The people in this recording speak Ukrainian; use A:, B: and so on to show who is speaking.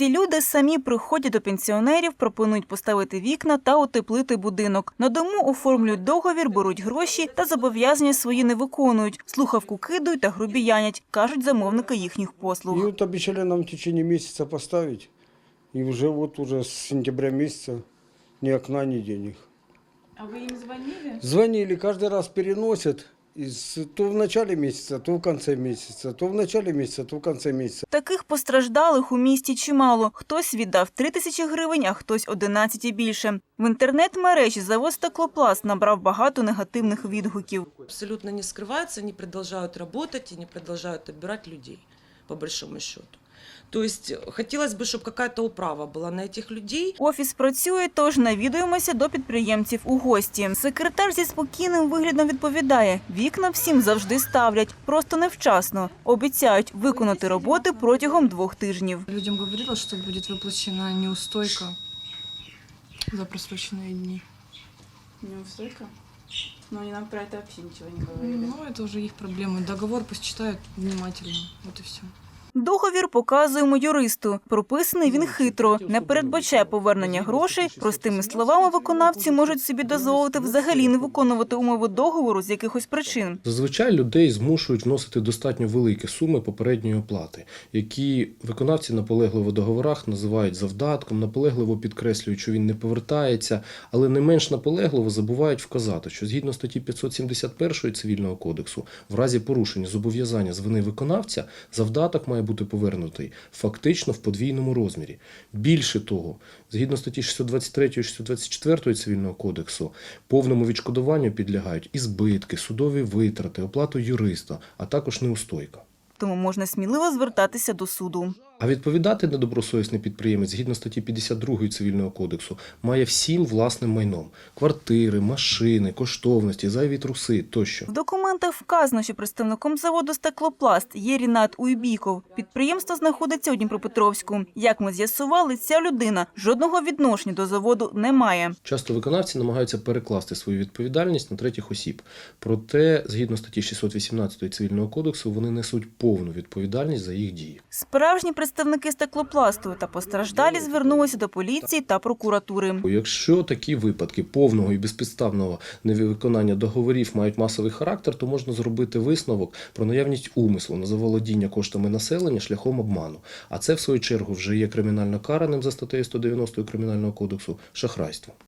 A: Ці люди самі приходять до пенсіонерів, пропонують поставити вікна та утеплити будинок. На дому оформлюють договір, беруть гроші та зобов'язання свої не виконують. Слухавку кидають та грубіянять, кажуть замовники їхніх послуг.
B: И вот обещали нам в течение месяца поставить. И уже с сентября месяца ни окна, ни денег.
A: А ви їм дзвонили?
B: Звонили, каждый раз переносят. То в начале месяца, то в конце месяца, то в начале месяца, то в конце месяца.
A: Таких постраждалих у місті чимало. Хтось віддав 3 тисячі гривень, а хтось 11 і більше. В інтернет-мережі завод «Стеклопласт» набрав багато негативних відгуків.
C: Абсолютно не скрываются, они продолжают работать, они продолжают отбирать людей, по большому счету. То есть хотелось бы, чтобы какая-то управа была на этих людей.
A: Офіс працює, тож навідуємося до підприємців у гості. Секретар зі спокійним виглядом відповідає, вікна всім завжди ставлять, просто невчасно. Обіцяють виконати роботи протягом 2 тижнів.
D: Людям говорила, что будет выплачена неустойка за просроченные дни.
E: Неустойка? Но они нам про это вообще ничего не говорили.
D: Ну, это уже их проблемы. Договор пусть читают внимательно. Вот и все.
A: Договір показуємо юристу. Прописаний він хитро, не передбачає повернення грошей. Простими словами, виконавці можуть собі дозволити взагалі не виконувати умови договору з якихось причин.
F: Зазвичай людей змушують вносити достатньо великі суми попередньої оплати, які виконавці наполегливо в договорах називають завдатком, наполегливо підкреслюють, що він не повертається, але не менш наполегливо забувають вказати, що згідно статті 571 Цивільного кодексу, в разі порушення зобов'язання з вини виконавця, завдаток має бути повернутий фактично в подвійному розмірі. Більше того, згідно статті 623 і 624 Цивільного кодексу, повному відшкодуванню підлягають і збитки, судові витрати, оплату юриста, а також неустойка.
A: Тому можна сміливо звертатися до суду.
F: А відповідати недобросовісний підприємець, згідно статті 52 Цивільного кодексу, має всім власним майном – квартири, машини, коштовності, зайві труси тощо.
A: В документах вказано, що представником заводу «Стеклопласт» є Рінат Уйбіков. Підприємство знаходиться у Дніпропетровську. Як ми з'ясували, ця людина жодного відношення до заводу не має.
F: Часто виконавці намагаються перекласти свою відповідальність на третіх осіб. Проте, згідно статті 618 Цивільного кодексу, вони несуть повну відповідальність за їх дії.
A: Справжні представники «Стеклопласту» та постраждалі звернулися до поліції та прокуратури.
F: Якщо такі випадки повного і безпідставного невиконання договорів мають масовий характер, то можна зробити висновок про наявність умислу на заволодіння коштами населення шляхом обману. А це, в свою чергу, вже є кримінально караним за статтею 190 Кримінального кодексу шахрайство.